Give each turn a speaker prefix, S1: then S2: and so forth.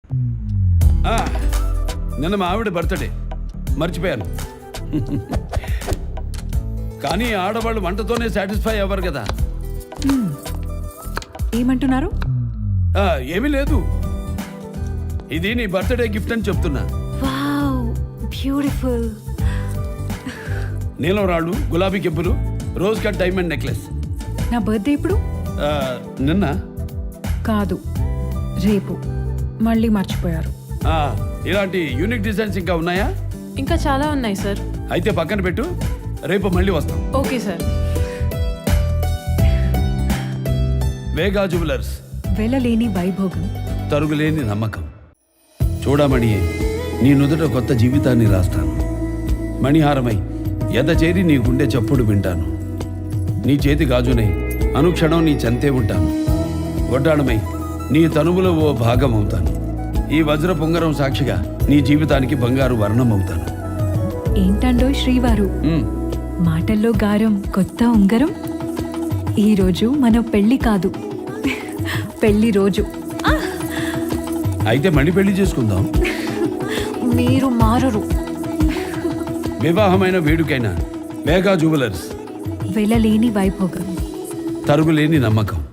S1: నిన్న మా ఆవిడ బర్త్డే మర్చిపోయాను. కానీ ఆడవాళ్ళు వంటతోనే సాటిస్ఫై అవ్వరు కదా.
S2: ఏమంటున్నారు?
S1: ఏమీ లేదు, ఇది నీ బర్త్డే గిఫ్ట్ అని చెప్తున్నా.
S2: Wow, beautiful.
S1: నీలం రాళ్ళు, గులాబీ కెంపులు, రోజ్ కట్ డైమండ్ నెక్లెస్.
S2: నా బర్త్డే ఇప్పుడు?
S1: నిన్న
S2: కాదు, రేపు. మళ్ళీ మర్చిపోయారు.
S1: ఇలాంటి యూనిక్ డిజైన్స్ ఇంకా ఉన్నాయా?
S3: ఇంకా చాలా ఉన్నాయి సార్.
S1: అయితే పక్కన పెట్టు, రేపు మళ్ళీ వస్తాం.
S3: Okay sir.
S1: వేగా జ్యువెలర్స్,
S2: వెళ్ళలేని వైభోగం,
S1: తరుగులేని నమ్మకం. చూడమణి, నీ నుదుట కొత్త జీవితాన్ని రాస్తాను. మణిహారమై ఎద చేరి నీ గుండె చప్పుడు వింటాను. నీ చేతి గాజునై అనుక్షణం నీ చెంతే ఉంటాను. వడ్డాణమై నీ తనువులో ఓ భాగం అవుతాను. ఈ వజ్ర పొంగరం సాక్షిగా నీ జీవితానికి బంగారు వర్ణం అవుతాను.
S2: ఏంటండో శ్రీవారు, మాటల్లో గారం, కొత్త ఉంగరం. ఈరోజు మన పెళ్లి కాదు, పెళ్లి రోజు.
S1: అయితే మళ్ళీ పెళ్లి చేసుకుందాం.
S2: మీరు మారరు.
S1: వివాహమైన వేడుకైనా వేగా జ్యువెలర్స్,
S2: వెళ్ళలేని వైభోగం,
S1: తరుగులేని నమ్మకం.